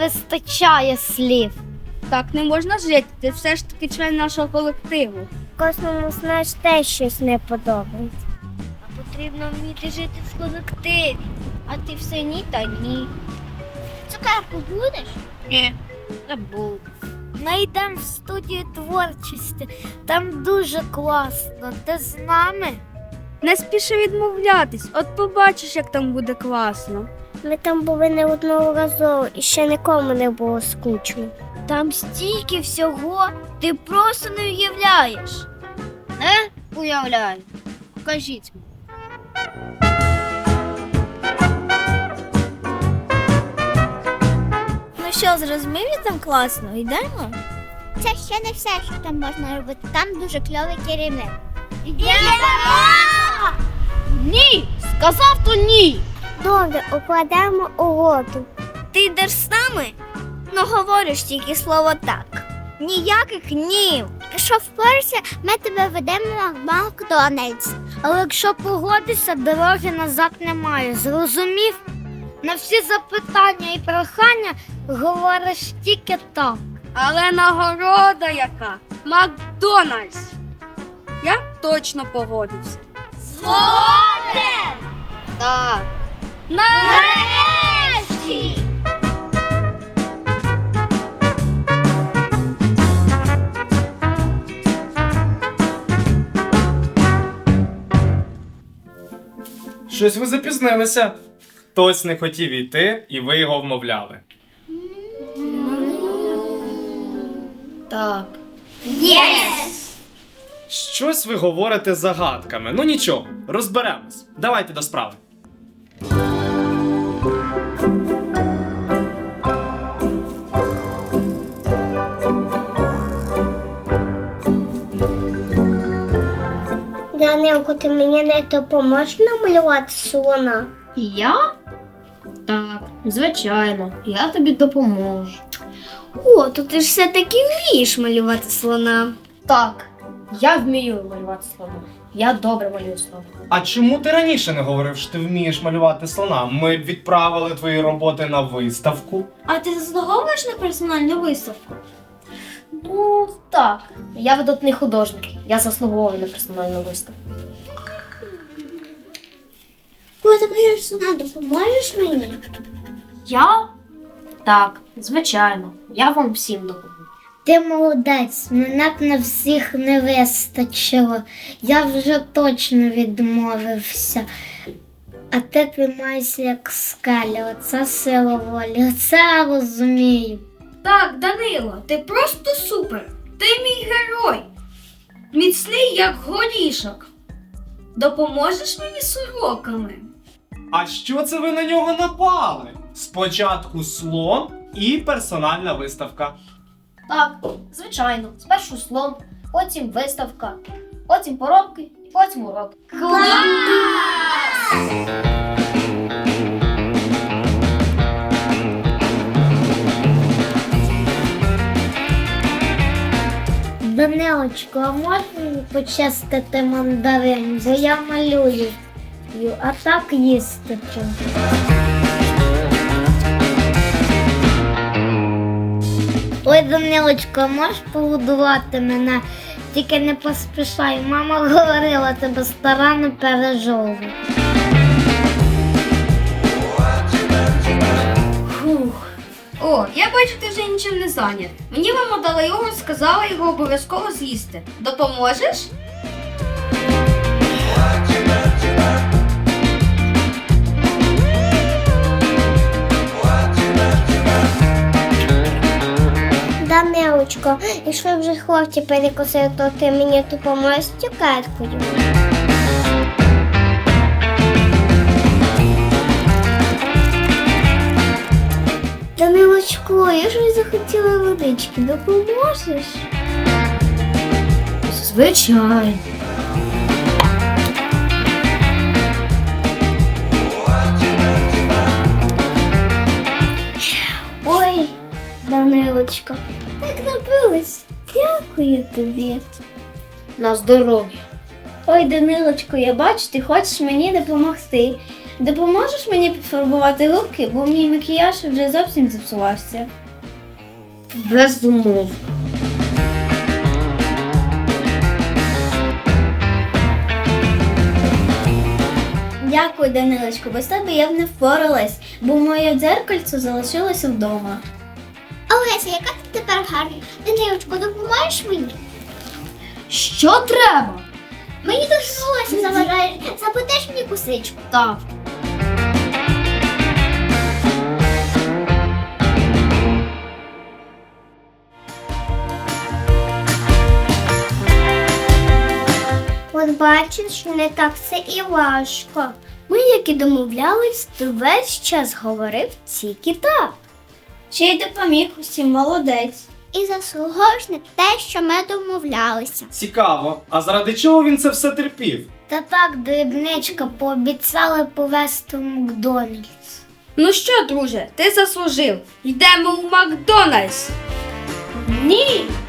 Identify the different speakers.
Speaker 1: вистачає слів.
Speaker 2: Так не можна жити, ти все ж таки член нашого колективу.
Speaker 1: Кожному, знаєш, теж щось не подобається. А потрібно вміти жити в колективі. А ти все ні та ні. Цукерку будеш?
Speaker 2: Ні.
Speaker 1: Не буду. Ми йдемо в студію творчості. Там дуже класно. Ти з нами?
Speaker 2: Не спіши відмовлятись, от побачиш, як там буде класно.
Speaker 1: Ми там були неодноразово і ще нікому не було скучно. Там стільки всього, ти просто не уявляєш.
Speaker 2: Не уявляю. Покажіть мені.
Speaker 1: Ну що, зрозумів, як там класно? Йдемо?
Speaker 3: Це ще не все, що там можна робити. Там дуже кльовий керівник.
Speaker 2: Ні! Сказав то ні!
Speaker 1: Добре, укладемо угоду. Ти йдеш з нами? Ну говориш тільки слово так. Ніяких ні.
Speaker 3: Якщо впорешся, ми тебе ведемо на Макдональдс.
Speaker 1: Але якщо погодишся, дороги назад немає. Зрозумів? На всі запитання і прохання говориш тільки так.
Speaker 2: Але нагорода яка? Макдональдс. Я точно погодився.
Speaker 1: Згоден!
Speaker 2: Так.
Speaker 1: Нарешті!
Speaker 4: Щось ви запізнилися. Хтось не хотів йти, і ви його вмовляли.
Speaker 2: Так.
Speaker 4: Щось ви говорите загадками. Ну нічого, розберемось. Давайте до справи.
Speaker 1: Данилко, ти мені не допоможеш намалювати слона?
Speaker 5: Я? Так, звичайно, я тобі допоможу.
Speaker 1: О, то ти ж все-таки вмієш малювати слона.
Speaker 5: Так, я вмію малювати слона. Я добре малюю слона.
Speaker 4: А чому ти раніше не говорив, що ти вмієш малювати слона? Ми б відправили твої роботи на виставку.
Speaker 5: А ти заслуговуєш на персональну виставку? Ну, так. Я видатний художник. Я заслуговую на персональну виставку.
Speaker 3: Коли ти малюєш слона, допоможеш мені?
Speaker 5: Я? Так, звичайно. Я вам всім допоможу.
Speaker 1: Ти молодець, мене б на всіх не вистачило. Я вже точно відмовився. А ти тримайся як скеля, оце сила волі, оце я розумію.
Speaker 2: Так, Данило, ти просто супер. Ти мій герой. Міцний, як горішок. Допоможеш мені з уроками?
Speaker 4: А що це ви на нього напали? Спочатку слон і персональна виставка.
Speaker 5: Так, звичайно. Спершу слон, потім виставка, потім поробки і потім уроки.
Speaker 1: Данилочко, а можна мені почистити мандарин, бо я малюю, а так їсти. Ой, Данилочко, а можеш погодувати мене? Тільки не поспішай, мама говорила, тебе старанно пережовує.
Speaker 2: Фух. О, я бачу, ти вже нічим не зайнят. Мені мама дала його, сказала його обов'язково з'їсти. Допоможеш?
Speaker 1: Данилочко, якщо вже хлопці перекусили, то ти мені допоможеш з цукеркою. Данилочко, я ж захотіла водички, допоможеш?
Speaker 5: Звичайно.
Speaker 1: Ой, Данилочко, так напилась. Дякую тобі.
Speaker 5: На здоров'я.
Speaker 1: Ой, Данилочко, я бачу, ти хочеш мені допомогти.
Speaker 5: Допоможеш мені пофарбувати губки, бо мій макіяж вже зовсім зіпсувався. Без умов. Дякую, Данилочко, без тебе я б не впоралась, бо моє дзеркальце залишилося вдома.
Speaker 3: Олеся, яка ти тепер гарна? Данилочко, допоможеш мені?
Speaker 5: Що треба?
Speaker 3: Мені дуже волосся заважає. Заплетеш мені косичку?
Speaker 5: Так.
Speaker 3: От бачиш, не так все і важко. Ми, як і домовлялись, то весь час говорив тільки так.
Speaker 5: Ще й допоміг усім, молодець.
Speaker 3: І заслуговуєш на те, що ми домовлялися.
Speaker 4: Цікаво, а заради чого він це все терпів?
Speaker 1: Та так, дрібничка, пообіцяли повезти в Макдональдс.
Speaker 2: Ну що, друже, ти заслужив. Йдемо в Макдональдс.
Speaker 5: Ні!